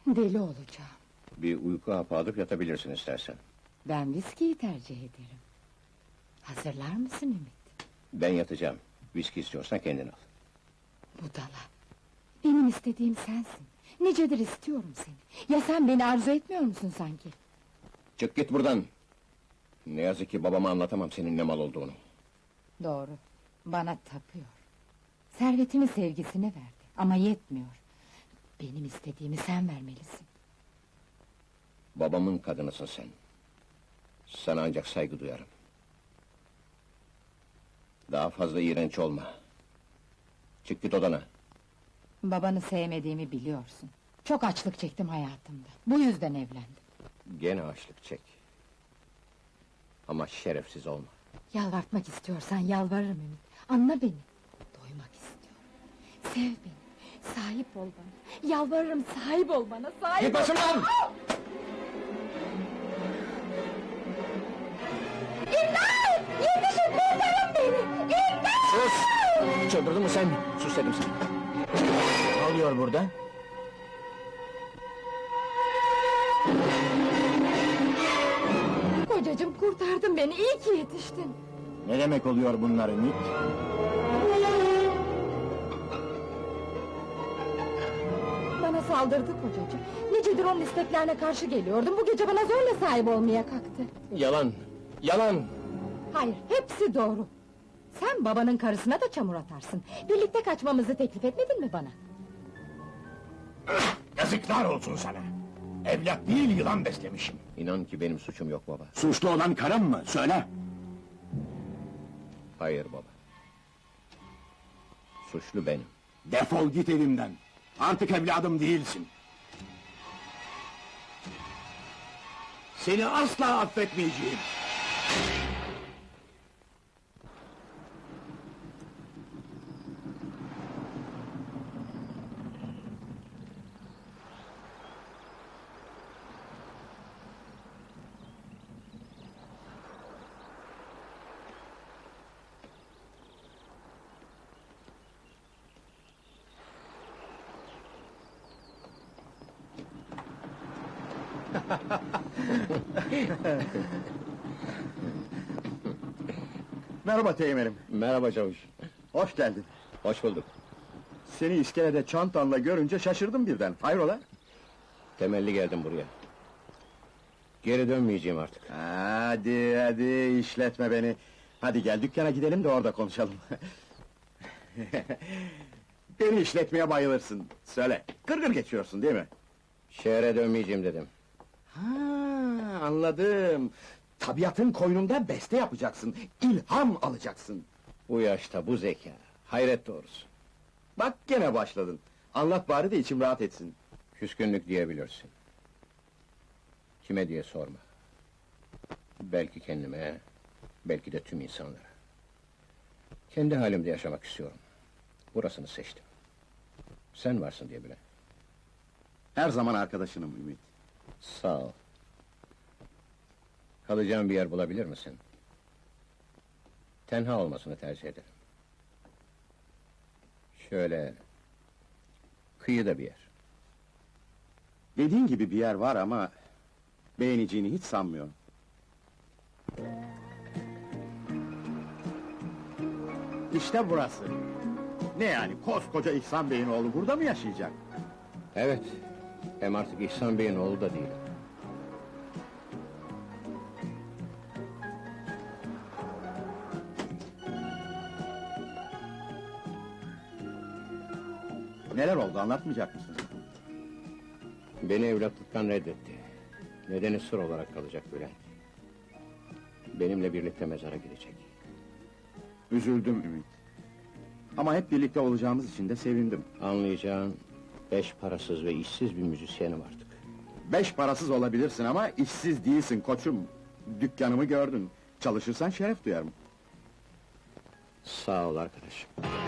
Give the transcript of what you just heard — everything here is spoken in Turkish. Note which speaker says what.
Speaker 1: Deli olacağım.
Speaker 2: Bir uyku hapı alıp yatabilirsin istersen.
Speaker 1: Ben viskiyi tercih ederim. Hazırlar mısın Ümit?
Speaker 2: Ben yatacağım. Viski istiyorsan kendin al.
Speaker 1: Budala! Benim istediğim sensin. Nicedir istiyorum seni. Ya sen beni arzu etmiyor musun sanki?
Speaker 2: Çık git buradan! Ne yazık ki babama anlatamam senin ne mal olduğunu.
Speaker 1: Doğru, bana tapıyor. Servetini sevgisini verdi ama yetmiyor. Benim istediğimi sen vermelisin.
Speaker 2: Babamın kadınısın sen. Sana ancak saygı duyarım. Daha fazla iğrenç olma. Çık git odana.
Speaker 1: Babanı sevmediğimi biliyorsun. Çok açlık çektim hayatımda. Bu yüzden evlendim.
Speaker 2: Gene açlık çek. Ama şerefsiz olma.
Speaker 1: Yalvartmak istiyorsan yalvarırım Ümit. Anla beni. Doymak istiyorum. Sev beni. Sahip ol bana. Yalvarırım, sahip ol bana. Sahip
Speaker 2: Git
Speaker 1: ol.
Speaker 2: başımdan!
Speaker 1: İmdat! Yetişin, kurtarın beni! İmdat!
Speaker 2: Sus! Çıldırdın mı sen? Sus dedim sana.
Speaker 3: Ne oluyor burada?
Speaker 1: Kocacığım, kurtardın beni. İyi ki yetiştin.
Speaker 3: Ne demek oluyor bunlar Ümit?
Speaker 1: Bana saldırdı kocacığım. Nicedir onun isteklerine karşı geliyordum. Bu gece bana zorla sahip olmaya kalktı.
Speaker 2: Yalan! Yalan!
Speaker 1: Hayır, hepsi doğru. Sen babanın karısına da çamur atarsın. Birlikte kaçmamızı teklif etmedin mi bana?
Speaker 4: Yazıklar olsun sana! Evlat değil, yılan beslemişim.
Speaker 2: İnan ki benim suçum yok baba.
Speaker 4: Suçlu olan karım mı? Söyle!
Speaker 2: Hayır baba. Suçlu benim.
Speaker 4: Defol git evimden! Artık evladım değilsin! Seni asla affetmeyeceğim!
Speaker 3: Merhaba Teğmen'im,
Speaker 2: Merhaba çavuş.
Speaker 3: hoş geldin.
Speaker 2: Hoş bulduk.
Speaker 3: Seni iskelede çantanla görünce şaşırdım birden, hayrola?
Speaker 2: Temelli geldim buraya. Geri dönmeyeceğim artık.
Speaker 3: Hadi, işletme beni. Hadi gel dükkana gidelim de orada konuşalım. Beni işletmeye bayılırsın, söyle, gırgır geçiyorsun değil mi?
Speaker 2: Şehre dönmeyeceğim dedim.
Speaker 3: Ha, anladım. Tabiatın koynunda beste yapacaksın, ilham alacaksın.
Speaker 2: Bu yaşta bu zeka. Hayret doğrusu.
Speaker 3: Bak gene başladın. Anlat bari de içim rahat etsin.
Speaker 2: Küskünlük diyebilirsin. Kime diye sorma. Belki kendime, belki de tüm insanlara. Kendi halimde yaşamak istiyorum. Burasını seçtim. Sen varsın diye bile.
Speaker 3: Her zaman arkadaşınım Ümit.
Speaker 2: Sağ ol. Kalacağım bir yer bulabilir misin? Tenha olmasını tercih ederim. Şöyle... kıyıda bir yer.
Speaker 3: Dediğin gibi bir yer var ama... beğeneceğini hiç sanmıyorum. İşte burası. Ne yani, koskoca İhsan Bey'in oğlu burada mı yaşayacak?
Speaker 2: Evet. Hem artık İhsan Bey'in oğlu da değil.
Speaker 3: Neler oldu, anlatmayacak mısın?
Speaker 2: Beni evlatlıktan reddetti. Nedeni sır olarak kalacak Bülent. Benimle birlikte mezara gidecek.
Speaker 3: Üzüldüm Ümit. Ama hep birlikte olacağımız için de sevindim.
Speaker 2: Anlayacağın... 5 parasız ve işsiz bir müzisyenim artık.
Speaker 3: 5 parasız olabilirsin ama işsiz değilsin koçum. Dükkanımı gördün. Çalışırsan şeref duyarım.
Speaker 2: Sağ ol arkadaşım.